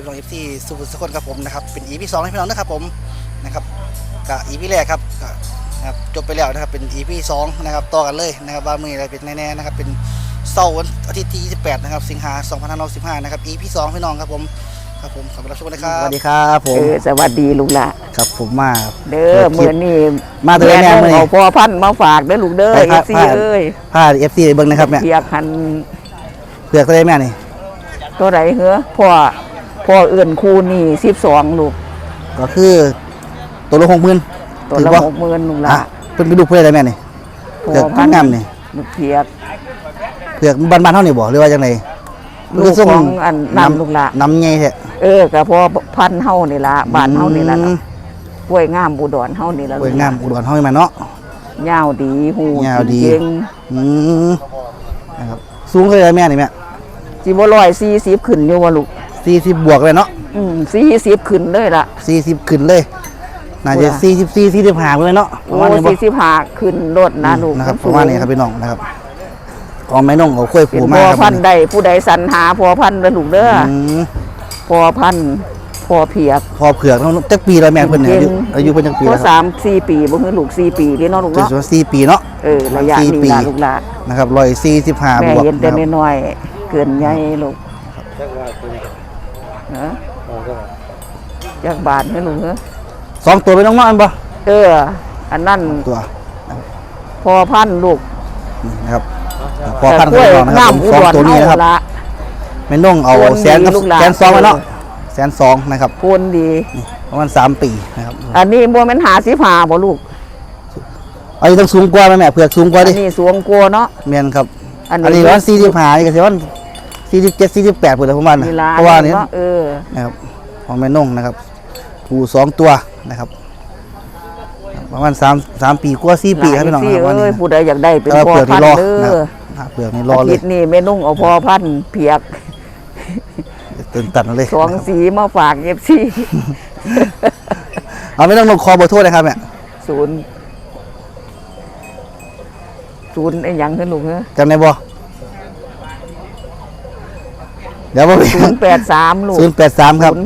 น้องเอฟซีสุภุสกลครับผมนะครับเป็น EP 2ให้พี่น้องนะครับผมนะครับกับ EP แรกครับนะครับจบไปแล้วนะครับเป็น EP 2นะครับต่อกันเลยนะครับว่ามืออะไรเป็นแน่ๆนะครับเป็นเสาร์วันอาทิตย์ที่28นะครับสิงหาคม2515นะครับ EP 2พี่น้องครับผมขอบคุณรับชมนะครับสวัสดีครับผมสวัสดีลูกหล่ะครับผมมาเด้อมื้อนี้มาตัวแม่มื้อนี้เอาพ่อพันธุ์มาฝากเด้อลูกเด้อ FC เอ้ยพา FC เบิ่งนะครับแม่เพียกหันเปลือกตัวได้แม่นี่ตัวไหนเหรอพ่อเอื่นคู่นี่12ลูกก็คือตัวละ60,000 ตัวละ60,000ลูกหล่ะเป็นลูกเพื่ออะไรแม่นี่เปลือกงามนี่ลูกเพียกเปลือกบ้านๆเฮานี่บ่หรือว่าจังได๋ลูกของอันน้ำลูกหล่ะน้ำใหญ่แท้ก็พอพันเฮานี่ล่ะบ้านเฮานี่ล่ะกล้วยงามอุดรเฮานี่ล่ะกล้วยงามอุดรเฮานี่มาเนาะยาวดีหูยาวดีเก่งนะครับสูงเท่าไหร่แม่นี่แม่สิบ่140ขึ้นอยู่ว่าลูก 40บวกเลยเนาะ 40ขึ้นเลยล่ะ 40ขึ้นเลยน่าจะ44 45เลยเนาะประมาณนี้45ขึ้นรถนะลูกนะครับประมาณนี้ครับพี่น้องนะครับของแม่น้องเอาค่อยผูมาครับพ่อพันธุ์ใดผู้ใดสรรหาพ่อพันธุ์เด้อลูกเด้อพ่อพันธุ์พ่อเพียกพ่อเผือกจักปีแล้วแม่เพิ่นเนี่ยอายุเพิ่นจักปีแล้วครับ3-4 ปีบ่คือลูก4 ปีเด้เนาะลูกเนาะ 4 ปีเนาะระยะนี้ล่ะลูกหล่ะนะครับ145บวกแม่เห็นแต่น้อยๆเกินใหญ่ลูกจักบาทให้ลูกเหรอ 2ตัวไปน้องมาอันบ่อันนั้นตัวพ่อพันธุ์ลูกนะครับพอพันธุ์นะครับ2ตัวนี้นะครับแม่น้องเอา100,000กับ120,000มาเนาะ120,000นะครับโคนดีประมาณ3 ปีนะครับอันนี้บ่แม่น55บ่ลูกอันนี้ต้องสูงกว่าแม่เผือกสูงกว่าดิอันนี้สูงกว่าเนาะแม่นครับอันนี้ว่า45นี่ก็สิว่า47 48พุ่นแหละประมาณน่ะเพราะว่านี่นะครับของแม่น้องนะครับผู้2ตัวนะครับประมาณ3 ปีกว่า4 ปีครับพี่น้องครับผู้ใดอยากได้เป็นพ่อพันธุ์เด้อเปลือกนี่รอเลยอาทิตย์นี้แม่นุ่งเอาพ่อพันธุ์เพียกตื่นตันเลย 2 สีมาฝาก FC เอาไม่ต้องลงคอเบอร์โทรเลยครับแม่ 0ไอ้หยังขึ้นลูกเหรอจำได้บ่เดี๋ยวบ่ 083ลูก 083ครับ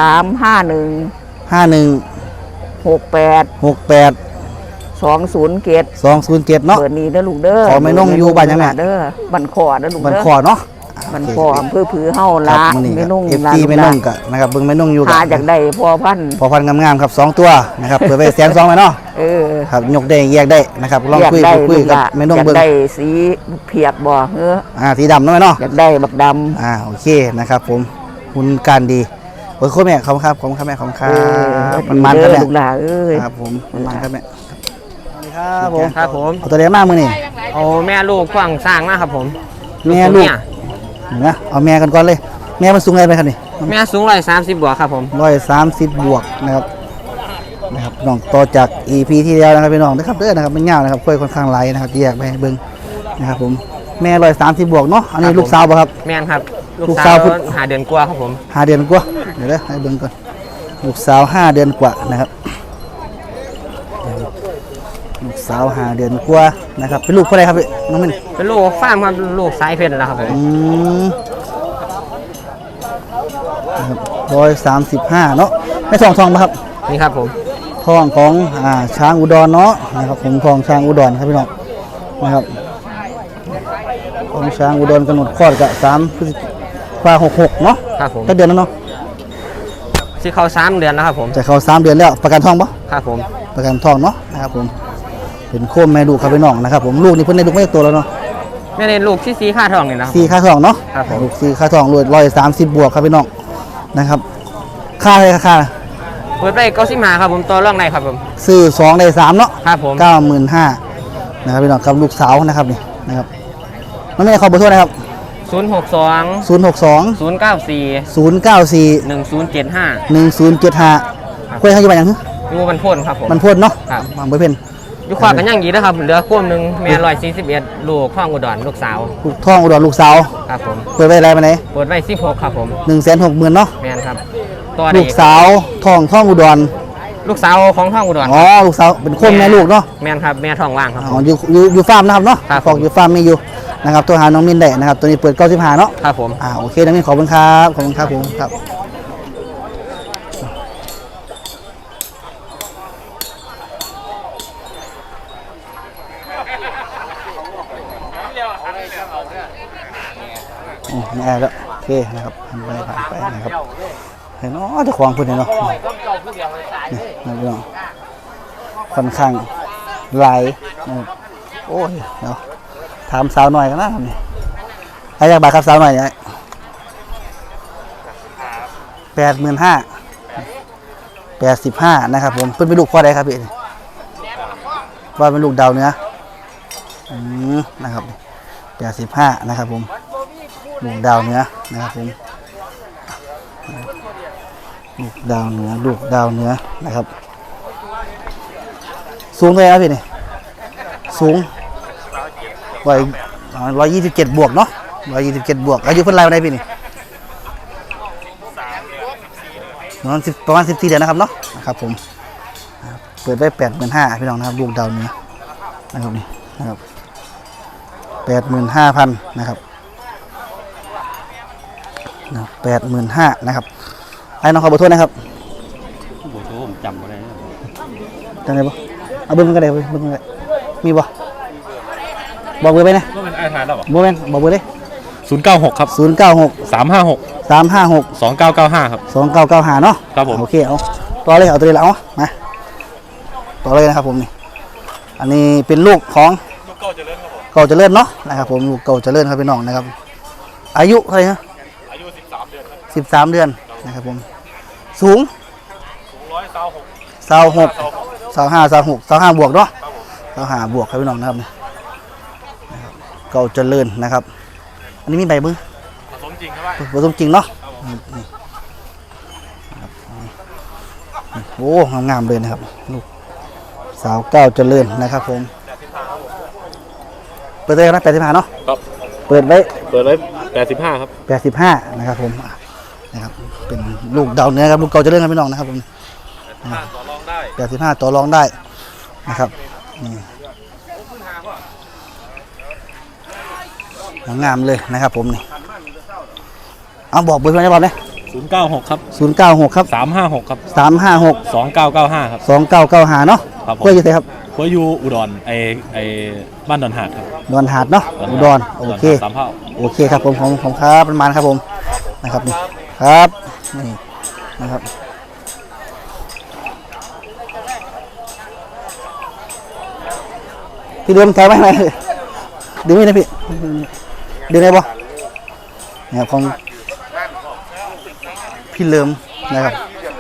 0835168 207 เนาะเบอร์นี้เด้อลูกเด้อขอไม่น้องอยู่บ้านยังแม่เด้อบ้านขอเด้อลูกเด้อบ้านขอเนาะบ้านขออำเภอผือเฮาละไม่น้องFTไม่น้องกะนะครับเบิ่งไม่น้องอยู่กะหาจากได้พ่อพันธุ์งามๆครับ2ตัวนะครับเปิดไป120,000ไปเนาะครับยกได้แยกได้นะครับลองคุยกับไม่น้องเบิ่งอยากได้สีเพียกบ่สีดำเนาะแม่เนาะอยากได้บักดำโอเคนะครับผมหุ่นการดีโอ้ยโคตรแม่ขอบคุณครับแม่ขอบคุณครับมันครับแม่ลูกหลานครับผมมันครับแม่ครับผมเอาตัวเดียวมากมือนี่เอาแม่ลูกฝั่งสร้างนะครับผมแม่ลูกนะเอาแม่กันก่อนเลยแม่มันสูงอะไรไปครับนี่แม่สูง130บวกครับผม 130บวกนะครับน้องต่อจาก EP ที่แล้วนะครับพี่น้องนะครับเด้อนะครับมันยาวนะครับค่อยค่อนข้างไหลนะครับแยกไปเบิ้งนะครับผมแม่130บวกเนาะอันนี้ลูกสาวป่ะครับแม่ครับลูกสาว5 เดือนกว่าครับผม 5 เดือนกว่าเดี๋ยวให้เบิ้งก่อนลูกสาว5 เดือนกว่านะครับลูกสาว5 เดือนกว่านะครับเป็นลูกเท่าไรครับน้องมิ้นเป็นลูกฟาร์มครับลูกสายเพชรนะครับ 135เนาะไม่ทองป่ะครับนี่ครับผมทองของช้างอุดรเนาะนะครับผมทองช้างอุดรครับพี่น้องนะครับของช้างอุดรกำหนดคลอดกับ3 พฤศจิกายน66เนาะครับผมเดือนแล้วเนาะที่เขา3 เดือนแล้วครับผมจะเขา3 เดือนแล้วประกันทองปะครับผมประกันทองเนาะนะครับผมเป็นโคมแม่ลูกครับพี่น้องนะครับผมลูกนี่เพิ่นได้ลูกไม่ตัวแล้วเนาะแม่ในลูกที่4ค่าทองนี่นะ 4ค่าทองเนาะครับผมลูก4ค่าทอง130บวกครับพี่น้องนะครับค่าอะไรค่าเปิดไป95ครับผมต่อรองได้ครับผมซื้อ2ได้3เนาะครับผม 95,000นะครับพี่น้องกับลูกสาวนะครับนี่นะครับน้องแม่ขอเบอร์โทรนะครับ 062 094 1075 คุยให้กี่บาทยังอยู่มันพ่นครับผมมันพ่นเนาะครับบางใบเพ่นอยู่ขวากันย่างยีนะครับเหลือควมหนึ่งแม่141ลูกท่องอุดรลูกสาวลูกท่องอุดรลูกสาวครับผมเปิดไว้อะไรมาไหนเปิดไว้16ครับผม 160,000เนาะแม่นครับตัวลูกสาวท่องอุดรลูกสาวของท่องอุดรลูกสาวเป็นคนแม่ลูกเนาะแม่นครับแม่ท่องว่างครับอยู่ฟาร์มนะครับเนาะฟอกอยู่ฟาร์มมีอยู่นะครับตัวหาน้องมินได้นะครับตัวนี้เปิด95เนาะครับผมโอเคน้องมินขอบคุณครับผมครับแอร์แล้วโอเคนะครับผ่านไปนะครับเห็นเนาะเจะควงพูดเนาะนี่นะพี่น้องค่อนข้างหลายนะครับโอ้ยเนาะถามสาวหน่อยกันนะครับนี่ให้จากบาทครับสาวหน่อยเนี่ย85,000นะครับผมเป็นลูกพ่อใดครับพี่ว่าเป็นลูกดาวเนื้อนะครับ85นะครับผมลูกดาวเนื้อนะครับผมลูกดาวเนื้อนะครับสูงเท่าไหร่ครับพี่นี่สูง127บวกเนาะ127บวกอายุเพิ่นไรวันไหนพี่นี่ประมาณ14เดือนนะครับเนาะนะครับผมเปิดไว้85,000พี่น้องนะครับลูกดาวเนื้อนะครับนี่นะครับ85,000นะครับ85,000นะครับไอ้น้องขอเบอร์โทรนะครับเบอร์โทรผมจำบ่ได้นะจำได้ปะเอาเบอร์มันก็ได้เบอร์มันก็ได้มีปะบอกเบอร์ไปนะก็เป็นไอทานแล้วเหรอโมเมนต์บอกเบอร์เลย 096 ครับ 096 356 356 2995 ครับ 2995เนาะครับผมโอเคเอาต่อเลยเอาตัวนี้แล้วเอามาต่อเลยนะครับผมนี่อันนี้เป็นลูกของลูกเก้าเจริญครับผมเก่าเจริญเนาะนะครับผมลูกเก่าเจริญครับพี่น้องนะครับอายุเท่าไหร่ฮะอายุ13 เดือนครับ 13 เดือนนะครับผมสูง 126 25บวกเนาะ25บวกครับพี่น้องนะครับเก่าเจริญนะครับอันนี้มีใบมือผสมจริงครับผสมจริงเนาะนี่โอ้งามๆเลยนะครับลูกสาวเก้าเจริญนะครับผมเปิดได้นะ85เนาะครับเปิดไว้ 85 ครับ 85นะครับผมนะครับเป็นลูกดาวเนื้อครับลูกเก่าเจริญครับพี่น้องนะครับผมต่อรองได้ 85ต่อรองได้นะครับนี่งามเลยนะครับผมนี่เอาบอกเบอร์โทรได้บอกเลย 096 ครับ 096ครับ 356 ครับ 356 2995 ครับ 2995เนาะครับผมเพื่อจะไงครับหัวยูอุดรไอบ้านดอนหาดครับดอนหาดเนาะอุดรโอเคสามเผ่าโอเคครับผมของครับประมาณครับผมนะครับนี่ครับนี่นะครับพี่เดิมถอยไปไหนดึงไม่ได้พี่ดึงได้ปะเนี่ยของพี่เลิมนะครับ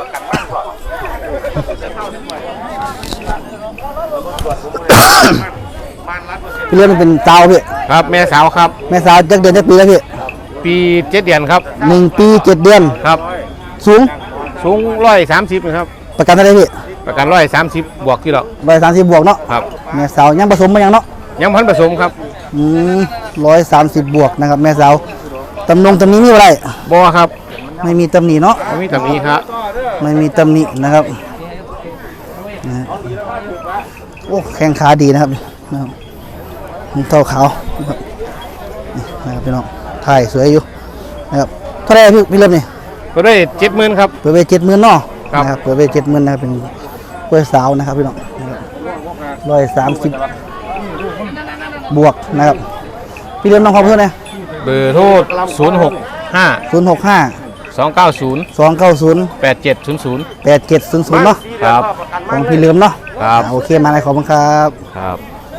พี่เลิมมันเป็นสาวพี่ครับแม่สาวครับแม่สาวจักเดือนจักปีแล้วพี่ปี7 เดือนครับ 1 ปี 7 เดือนครับสูงสูง130นะครับประกันเท่าไหรพี่ประกัน130บวกที่หรอก 130บวกเนาะครับแม่สาวยังผสมมายังเนาะยังพันผสมครับ 130บวกนะครับแม่สาวตำนี้มีอะไรบ่ครับไม่มีตำหนิเนาะบ่มีแบบนี้ครับไม่มีตำหนินะครับนะฮะโอ้แข้งขาดีนะครับนะครับเท่าขาวนะครับนี่นะครับพี่น้องถ่ายสวยอยู่นะครับเท่าไหรพี่เริ่มนี่ก็ได้70,000ครับเปิดไป70,000เนาะครับนะครับเปิดไป70,000นะครับเป็นกล้วยสาวนะครับพี่น้อง130บวกนะครับพี่เริ่มน้องขอเพื่อนนะเบอร์โทร065 065 290 290 8700 8700เนาะครับของพี่เริ่มเนาะครับโอเคมาเลยขอบคุณครับครับ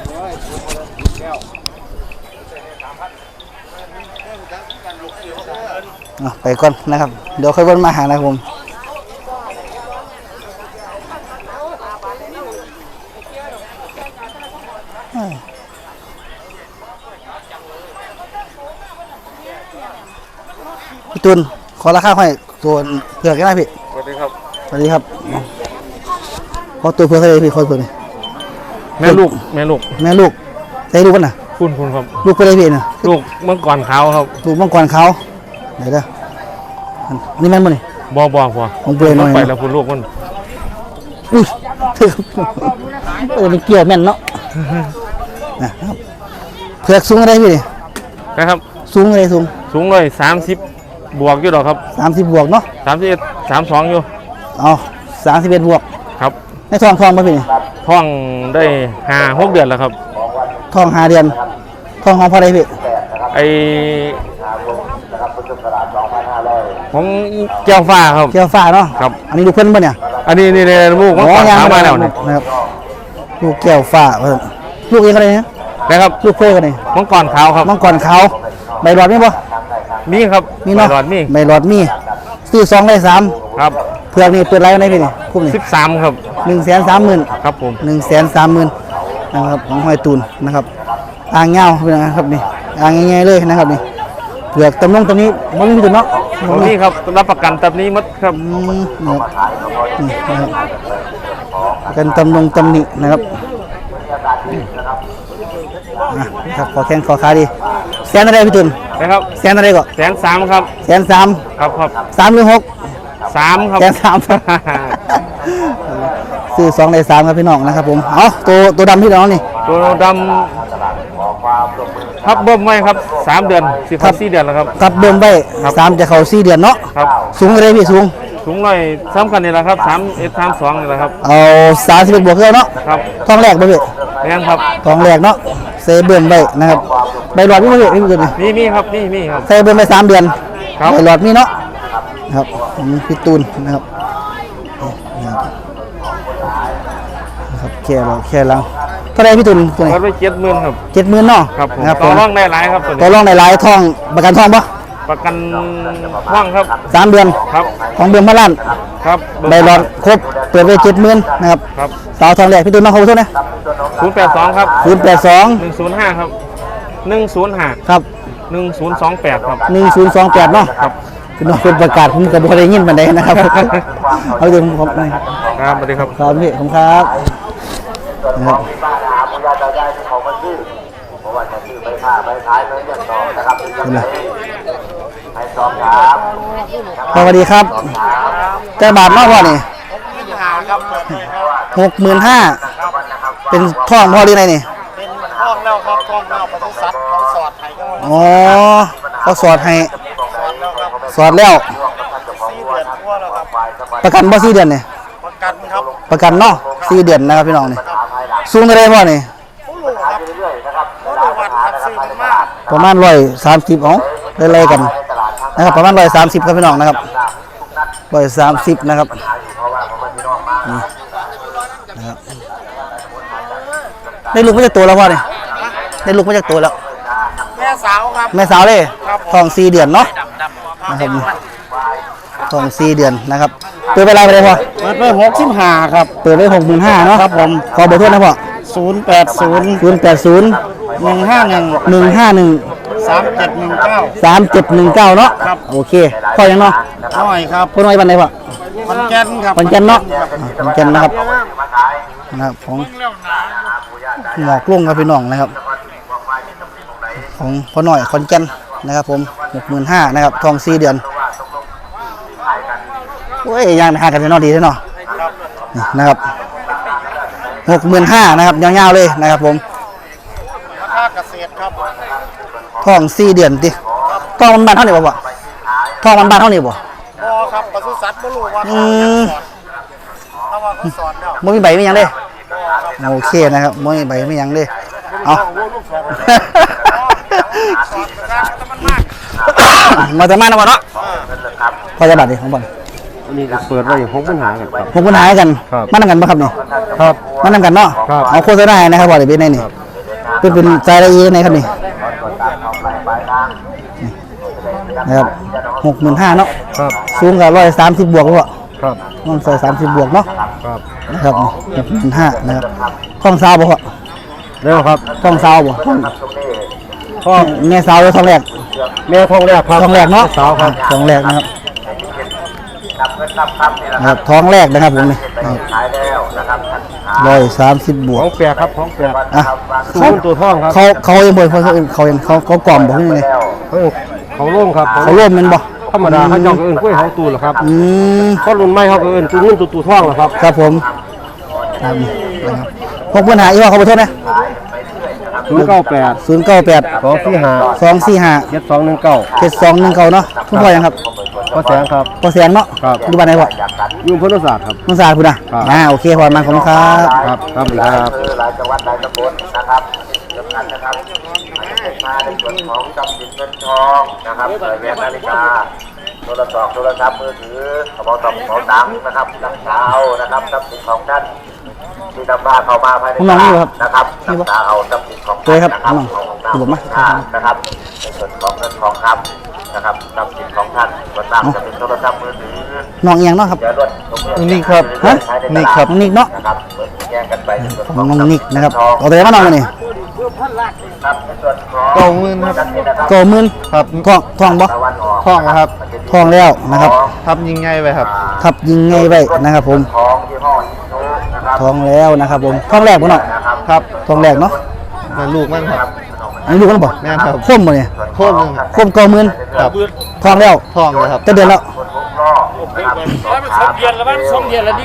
ไปก่อนนะครับเดี๋ยวค่อยวนมาหานะครับผมพี่ตุลขอราคาให้ตัวเผือกกันได้พี่สวัสดีครับสวัสดีครับขอตัวเผือกให้พี่ขอตัวนี้แม่ลูกแม่ลูกใส่ลูกกันนะคุณครับลูกไปเลยพี่นะลูกเมื่อก่อนเขาครับลูกมังกรเขาเดี๋ยวเด้อนี่แม่นบ่นี่บ่พอของเปลือยหน่อยไปแล้วคุณลูกมันอุ้ยมันเกี่ยวแม่นเนาะนะครับเผือกสูงอะไรพี่นี่นะครับสูงอะไรสูงสูง30บวกอยู่หรอครับ 30บวกเนาะ 31 32อยู่เอา31บวกครับในท้องป่ะพี่นี่ท้องได้5-6 เดือนแล้วครับท้อง5 เดือนท้องของพ่อใดพี่ไอ้ผมเจ้าฟ้าครับเกี่ยวฟ้าเนาะครับอันนี้ลูกเพิ่นป่ะเนี่ยอันนี้นี่ลูกมันก่อนยังขามาแล้วนะครับลูกแก้วฟ้าลูกเองก็เลยนะนะครับลูกเพื่อนกันเลยมังกรขาวครับมังกรขาวใบหลอดมีป่ะมีครับมีเนาะหลอดมีใบหลอดมีซื้อ2ได้3 ครับเผือกนี่เปิดไรกันได้พี่นี่คุ้มนี่ 13ครับ 130,000 ครับผม 130,000นะครับของหอยตูนนะครับอ่างเงาเป็นไงครับนี่อ่างง่ายๆเลยนะครับนี่เผือกตำลงตรงนี้มันมีตัวเนาะผมนี่ครับรับประกันตับนี้หมดครับนะครับนี่นะครับกันตำลงตำหนินะครับครับขอแข้งขอขาดีแสนอะไรพี่ตุนนะครับแสนอะไรก็ 130,000ครับ 130,000 ครับครับ 3หรือ6 3ครับแสน3ซื้อ2ได้3ครับพี่น้องนะครับผมเอาตัวดำพี่น้องนี่ตัวดำครับเบิ่มไว้ครับ3เดือนสิเข้า4เดือนแล้วครับกับเบิ่มไว้ครับ 3จะเข้า4เดือนเนาะครับสูงอะไรพี่สูงสูงหน่อยซ้ำกันนี่แหละครับ31 32นี่แหละครับเอา31บวกเท่าเนาะครับทองแรกบ่พี่แม่นครับทองแรกเนาะเซเบิ่มไว้นะครับใบหลอดมีบ่พี่พี่ตุนนี่มีครับมีครับใส่เบิ่มไป3เดือนครับใบหลอดมีเนาะครับพี่ตูนนะครับนะครับแค่เราเท่าไหรพี่ตูนตัวไหนวัดไว้70,000ครับ 70,000เนาะครับผมนะครับต่อรองได้หลายครับตัวต่อนี้รองในหลายทองประกันทองปะประกันว่างครับ 3 เดือนครับของเดือนพระล้านครับใบหลอดครบเปิดไป70,000นะครับครับสาวทองแรกพี่ตูนมาขอบคุณนะ 082ครับ 082 105ครับ105 ครับ 1028ครับ 1028เนาะครับพี่น้องเป็นประกาศผมกับบ่ได้ยินปานใดนะครับ เอาเดี๋ยวผมครับสวัสดีครับครับพี่ผมครับนะครับสวัสดีครับแต่บาทเนาะพ่อนี่65,000เป็นท่องพ่อหรือไงนี่เป็นห้องแล้วครับห้องแล้วปศุสัตว์เขาสอดไห้ก็อ๋อเขาสอดให้สอดแล้วครับสอดแล้ว 4 เดือนทั่วแล้วครับประกันบ่4เดือนนี่ประกันครับประกันเนาะ4เดือนนะครับพี่น้องนี่สูงเท่าไรพ่อนี่ผู้ลูกครับผู้ลูกวัดครับซื้อมันมากประมาณ130อ๋อไล่ๆกันนะครับประมาณ130ครับพี่น้องนะครับ130นะครับนี่นะครับได้ลูกมาจากตัวแล้วพ่อนี่ได้ลูกมาจากตัวแล้วแม่สาวครับแม่สาวเลยครับผมทอง4เดือนเนาะนะครับทอง4เดือนนะครับเปิดไปอะไรไปเลยพ่อเปิดไป65ครับเปิดไป65,000เนาะครับผมขอเบอร์โทรนะพ่อ 080 080 151 151 3719 3719เนาะครับโอเคพ่อยังเนาะน้อยครับพ่อน้อยบันไดพ่อขอนแก่นครับขอนแก่นเนาะขอนแก่นนะครับของหมอกลุ่งครับพี่น้องนะครับ ของพ่อหน่อยขอนแก่นนะครับผม65,000นะครับทอง4เดือนโอ้ยย่างหากันเนาะดีเนาะนี่นะครับ65,000นะครับยาวๆเลยนะครับผมราคาเกษตรครับทอง4เดือนติทองมันบานเท่านี้บ่บ่ทองมันบานเท่านี้บ่บ่ครับปศุสัตว์บ่รู้ว่าเขาสอดถ้าว่าเขาสอดแล้วบ่มีใบมีหยังเลยโอเคนะครับบ่มีใบมีหยังเลยเอาสอดราคาแต่มันมากมาจะมานะบ่เนาะพอจะบัตรดิของบ่นี่เปิดไว้6,000หากันครับผมปัญหากันครับมานำกันบ่ครับนี่ครับมานำกันเนาะครับเอาโฆษณาให้นะครับบ่ได้เป็นไงนี่เป็นใจละเอียดในครับนี่นะครับ65,000เนาะครับสูงกับ130บวกบ่ครับน้องใส่30บวกเนาะครับนะครับ65,000นะครับท้องสาวบ่พ่อเร็วครับท้องสาวบ่ท้องแม่สาวหรือท้องแรกแม่ทองแรกครับท้องแรกเนาะสาวครับท้องแรกนะครับนะครับท้องแรกนะครับผมนี่130บวขกองแปลกครับของแปลกอ่ะสูงตัวทองครับเขายังบ่เขากล่อมบ่ขึ้นนี่เขาโล่งครับเขาร่วมแมันบ่ธรรมดาเขาเจ้าก็เอิ้นกล้วยเขาตูนเหรอครับอืมเพราะรุ่นใหม่เขาก็เอิ้นตูนุ่นตูทองเหรอครับครับผมครับนะครับพกปัญหาอีกว่าเขาบ่โทษนะ 098 098 245 245 7219 7219เนาะคุณพ่อยังครับพ่อแสงครับพ่อแสนเนาะครับอยู่บ้านไหนพ่อยุ่งพุทธศาสตร์ครับน้องสาวคุณน่ะครับโอเคพ่อมาขอบคุณครับครับครับครับหลายจังหวัดหลายตำบลนะครับสำคัญนะครับมาในส่วนของจำสินเงินทองนะครับแหวนนาฬิกาโทรศัพท์มือถือกระเป๋าตังค์นะครับน้ำเช้านะครับทรัพย์สินของท่านที่นำมาเข้ามาภายในบ้านนะครับน้ำตาเอาทรัพย์สินของท่านนะครับของน้ำนะครับในส่วนของเงินทองคำนะครับทรัพย์สินของท่านส่วนมากจะเป็นโทรศัพท์มือถือน้องเอียงเนาะครับนี่ครับฮะนี่ครับน้องนิกเนาะนะครับแยกกันไปในส่วนของน้องนิกนะครับเอาตัวไหนมาน้องมานี่ครับในส่วนของเก้าหมื่นครับก็หมื่นครับทองบ่ตะวันออกท้องนะครับทองแล้วนะครับทับยิงไงไปครับทับยิงไงไว้นะครับผมทองยี่ห้ออิโนนะครับทองแล้วนะครับผมทองแรกบ่เนาะครับทองแรกเนาะนั่นลูกมันครับอันนี้ลูกมันบ่แม่นครับคมบ่เนี่ยโค้งหนึ่งคมก็หมื่นครับทองแล้วท้องเลยครับจะเดือนแล้วคนทุกรอบนะครับสองเดือนแล้วมั้งสองเดือนแล้วดิ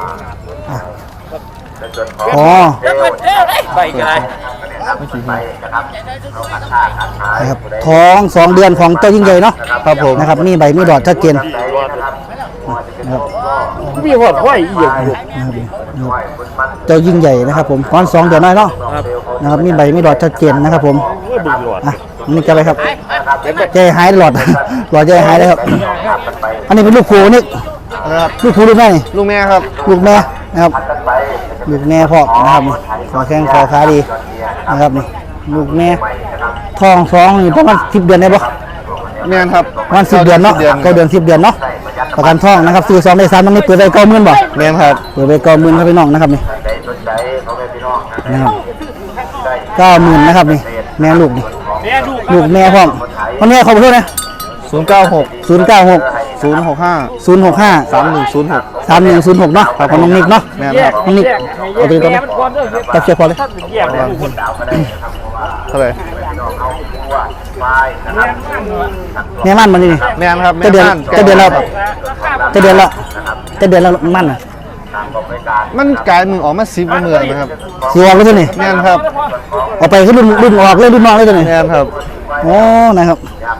ในส่วนของอ๋อไปกันเลยไปนะครับเราขัดค่าขัดขายนะครับทอง2 เดือนของเจ้ายิ่งใหญ่เนาะครับผมนะครับมีใบมีดอดชัดเจนใจนะครับมีหอดห้อยอีกเจ้ายิ่งใหญ่นะครับผมตอน2 เดือนน้อยเนาะนะครับมีใบมีดอดชัดเจนนะครับผมอ่ะนี่จะไปครับใจหายหลอด หลอดใจหายเลยครับ อันนี้เป็นลูกผูนี่นะครับลูกผูลูกแม่นี่ลูกแม่ครับลูกแม่นะครับลูกแม่พ่อนะครับนี่ขอแข้งขอขาดีนะครับนี่ลูกแม่ทอง2นี่ประมาณ10 เดือนได้ปะแม่นครับประมาณ10 เดือนเนาะ9 เดือน10 เดือนเนาะประกันทองนะครับซื้อ2ได้3ต้องนี้เปิดไป90,000บ่แม่นครับเปิดไป90,000ครับพี่น้องนะครับนี่ใจสนใจเขาเป็นพี่น้องนะนะครับ90,000นะครับนี่แม่ลูกนี่แม่ลูกลูกแม่พร้อมคนนี้ขอขอโทษนะ 096 096 065 065 3106 3106เนาะของน้องนิกเนาะแม่นครับน้องนิกเอาตัวนี้ตัวนี้ตัดเชือกพอเลยแยกเลยเท่าไหร่แม่มันมันนี่แม่นครับจะเดือนแม่บ้าจะเดือนแล้วครับจะเดือนแล้วจะเดือนแล้วมันอ่ะมันกลายมึงออกมา10เมืองนะครับสิออกแล้วตัวนี้แม่นครับเอาไปขึ้นรุ่นออกเลยรุ่นน้องเลยตัวนี้แม่นครับโอ้นะครับ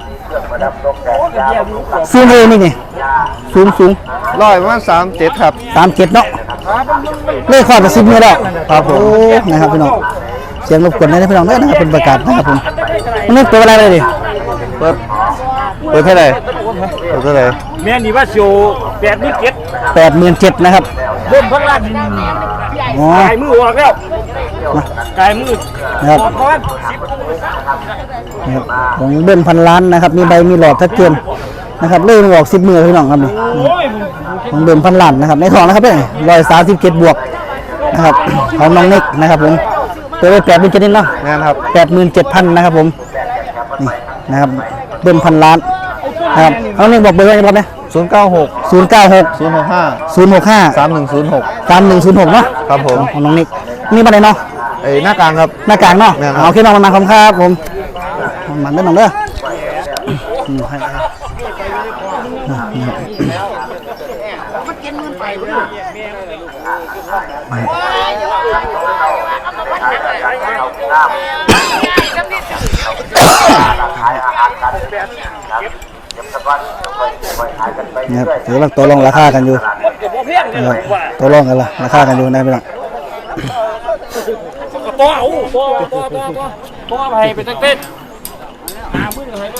สูงเลยนี่สูงร้อยประมาณ37ครับ 37เนาะเลขขอดไป10 เมตรแล้วครับผมโอ้นะครับพี่น้องเสียงรบกวนได้พี่น้องได้นะครับเป็นประกาศนะครับผมมันนี่เปิดอะไรเลยดิเปิดเท่าไหร่เปิดเท่าไหร่แม่นี่ว่าโชว์ 87,000นะครับเริ่มพักละอ๋อกายมือออกแล้วกายมือนะครับเพราะว่านะครับของเบิ้ลพันล้านนะครับมีใบมีหลอดชัดเจนนะครับเลื่อนออก10 มือพี่น้องครับนี่โอ้ยของเบิ้ลพันล้านนะครับในทองนะครับเนี่ย137 บวกนะครับของน้องนิกนะครับผมเปิดไป87,000นิดเนาะแม่นครับ 87,000นะครับผมนี่นะครับเบิ้ลพันล้านนะครับน้องนิกบอกเบอร์ไว้ครับเนี่ย 096 096 065 065 3106 3106เนาะครับผมของน้องนิกนี่มาไหนเนาะไอ้หน้ากลางครับหน้ากลางเนาะแม่นครับเอาแค่น้องมันมาคำครับผมมันได้น้องเด้อให้นะครับถือว่าตัวรองราคากันอยู่นะครับตัวรองกันละราคากันอยู่นะพี่น้องตัวเอาตัวไปไปตั้งเต้นหามืออะไร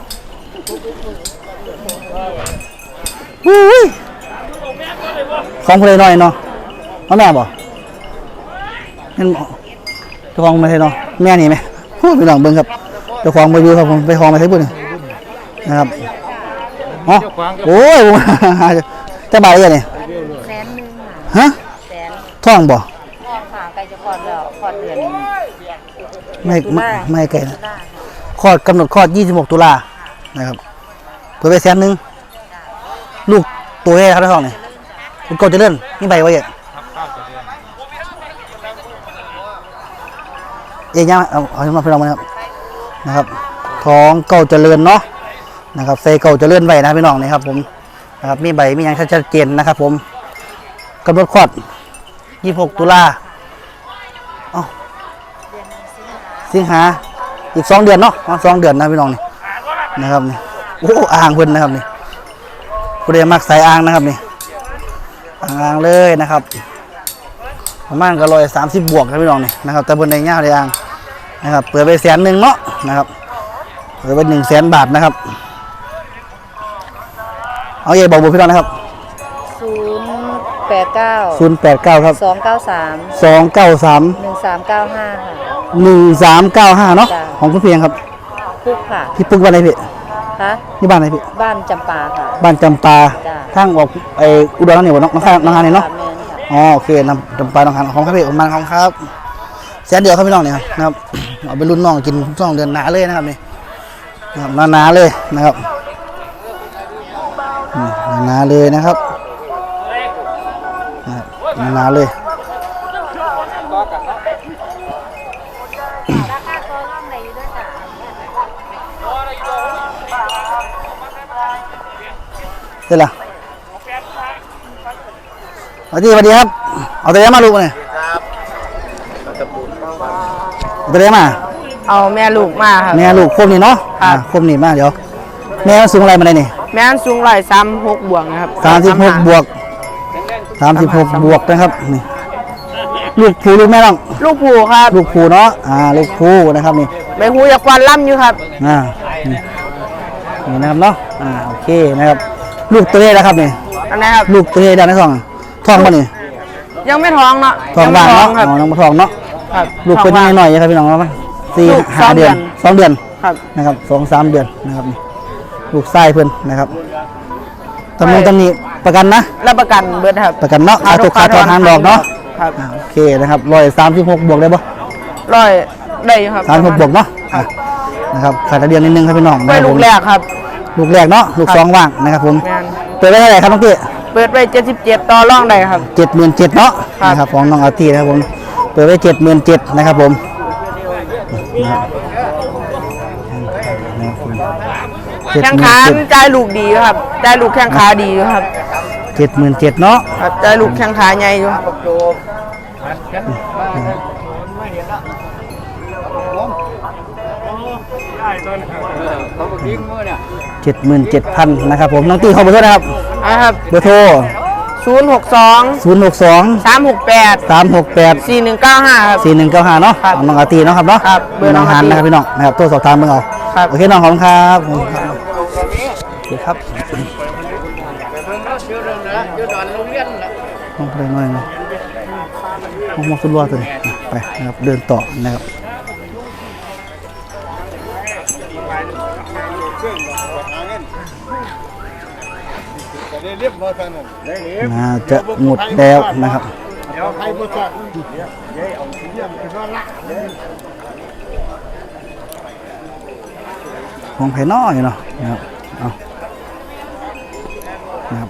ของผู้ใดน้อยเนาะเอาแม่บ่เห็นเจ้าของไม่ใช่เนาะแม่นี่ไหมพูดไปลองเบิ่งครับเจ้าของมาอยู่ครับผมไปของมาใช้บุญนะครับอ๋อโอ้ยจะบาทอะไรเนี่ย 100,000 ฮะ 100,000 ท่องบ่พ่อค่ะใกล้จะคลอดแล้วคลอดเดือนไม่ไกลนะคลอดกำหนดคลอด26 ตุลานะครับเปิดไป100,000ลูกตัวแรกครับท่องนี่คุณโกจะเลื่อนนี่ใบไว้เอ๊ะยังเอามาพี่น้องมานะครับท้องเก่าเจริญเนาะนะครับใส่เก่าเจริญไว้นะพี่น้องนี่ครับผมนะครับมีใบมีอย่างชัดเจนนะครับผมกำหนดคลอด26 ตุลาสิงหาอีก2 เดือนเนาะ2 เดือนนะพี่น้องนี่นะครับนี่โอ้อ่างเพิ่นนะครับนี่ผู้ใดมักสายอ่างนะครับนี่อ่างเลยนะครับประมาณก็130 บวกนะพี่น้องนี่นะครับแต่บนในเงาเลยอ่างนะครับเปิดไป100,000เนาะนะครับเปิดไป100,000 บาทนะครับเอาใหญ่บอกเบอร์พี่น้องนะครับ 089 ครับ 293 293 1395 ค่ะ 1395เนาะจ้ะของคุณเพียงครับพุกค่ะพี่ปุ๊กบ้านไหนพี่คะที่บ้านไหนพี่บ้านจำปาค่ะบ้านจำปาจ้ะทางออกไออุดรนี่บ่น้องน้องฮานนี่เนาะแม่นค่ะอ๋อโอเคนำจำปาน้องฮานของครับพี่ประมาณของครับแสนเดียวครับพี่น้องเนี่ยนะครับเอาไปรุ่นน้องกินช่วงเดือนหนาเลยนะครับนี่นะครับหนาๆเลยนะครับหนาๆเลยนะครับหนาๆเลยเดี๋ยวล่ะสวัสดีครับเอาตัวเลี้ยงมาลูกเนี่ยเอาตัวเลี้ยงมาเอาแม่ลูกมาครับแม่ลูกคมนี่เนาะครับคมนี่มาเดี๋ยวแม่สูงอะไรมาได้นี่แม่นสูง136บวกนะครับ 36 บวก36 บวกนะครับนี่ลูกผูลูกแม่น้องลูกผูครับลูกผูเนาะลูกผูนะครับนี่ใบหูอยากควันล่ำอยู่ครับนี่นะครับเนาะโอเคนะครับลูกตัวนี้นะครับนี่อันนี้ครับลูกตัวนี้ด้านในท้องท้องป่ะนี่ยังไม่ท้องเนาะท้องยับ้านไม่ท้อเนาะงครับน้องมาท้องเนาะครับลูกเป็นยังไงหน่อยครับพี่น้องครับลูก 4-5 เดือน 2 เดือนครับนะครับ2-3 เดือนนะครับนี่ลูกไส้เพิ่นนะครับตำนี้ประกันนะรับประกันเบิดครับประกันเนาะค่าตกค่าถอนหางดอกเนาะครับโอเคนะครับ136 บวกได้ปะร้อยได้อยู่ครับ 36 บวกเนาะนะครับขาดเดือนนิดนึงครับพี่น้องไปลูกแรกครับลูกแรกเนาะลูกครับสองว่างนะครับผมแม่นเปิดไว้เท่าไหร่ครับน้องตี้เปิดไป77ต่อรองได้ครับ 77,000เนาะครับนะครับของน้องอาร์ตี้นะครับผมเปิดไว้77,000นะครับผมนะครับแข้งขาใจายลูกดีครับใจายลูกแข้งขาดีอยู่ครับ 77,000เนาะครับใจายลูกแข้งขาใหญ่อยู่ 77,000นะครับผมน้องตี้ขอเบอร์โทรนะครับนะครับเบอร์โทร 062 062 368 368 4195ครับ 4195เนาะครับของน้องอาร์ตี้เนาะครับเนาะครับเบอร์น้องฮันอาร์ตี้นะครับพี่น้องนะครับโทรสอบถามเบิ่งเอาครับโอเคน้องขอบคุณครับโอเคครับห้องเพลงหน่อยนะห้องมอสุดรัวตัวนี้ไปนะครับเดินต่อนะครับน่าจะหมดแล้วนะครับเดี๋ยวใครผู้ชายเดี๋ยวเอาเยี่ยมไปก็ละของไผ่น้อยเนาะนะครับเอานะครับ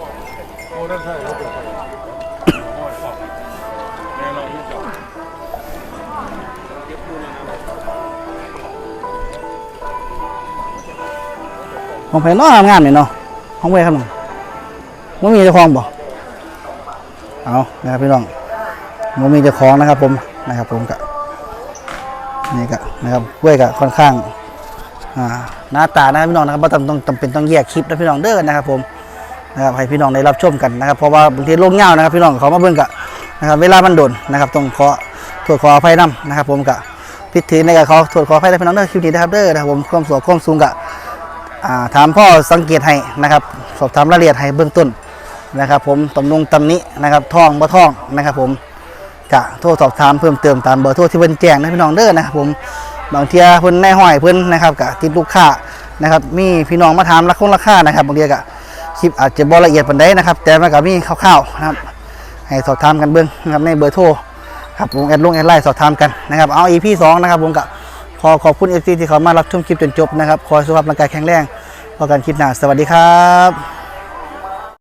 ของไผ่น้อยงามเลยเนาะของเว้ยครับน้องมันมีเจ้าของบ่เอานะครับพี่น้องมันมีเจ้าของนะครับผมนะครับผมกะนี่กะนะครับเว้ยกะค่อนข้างหน้าตานะครับพี่น้องนะครับว่าต้องจำเป็นต้องแยกคลิปนะพี่น้องเด้อนะครับผมนะครับให้พี่น้องได้รับชมกันนะครับเพราะว่าบางทีโลกเงานะครับพี่น้องเขามาเบิ่งกะนะครับเวลามันโดนนะครับต้องขอโทษขออภัยนํนะครับผมกะพิธีในกะขอโทษขออภัยนะพี่น้องเด้อคลิปนี้นะครับเด้อนะครับผมความสูงความสูงกะถามพ่อสังเกตให้นะครับสอบถามรายละเอียดให้เบื้องต้นนะครับผมตำนี้นะครับท่องบ่ท่องนะครับผมกะโทรสอบถามเพิ่มเติมตามเบอร์โทรที่เพิ่นแจ้งนะพี่น้องเด้อนะครับผมบางเทีเพิ่นในห้อยเพิ่นนะครับกะติดลูกค้านะครับมีพี่น้องมาถามราคานะครับบางทีกะคลิปอาจจะบ่ละเอียดปานใดนะครับแต่มันก็มีคร่าวๆนะครับให้สอบถามกันเบิ่งนะครับในเบอร์โทรครับผมแอดไลน์สอบถามกันนะครับเอา EP 2นะครับผมกะขอบคุณ FC ที่เขามารับชมคลิปจนจบนะครับขอให้สุขภาพร่างกายแข็งแรงพบกันคลิปหน้าสวัสดีครับ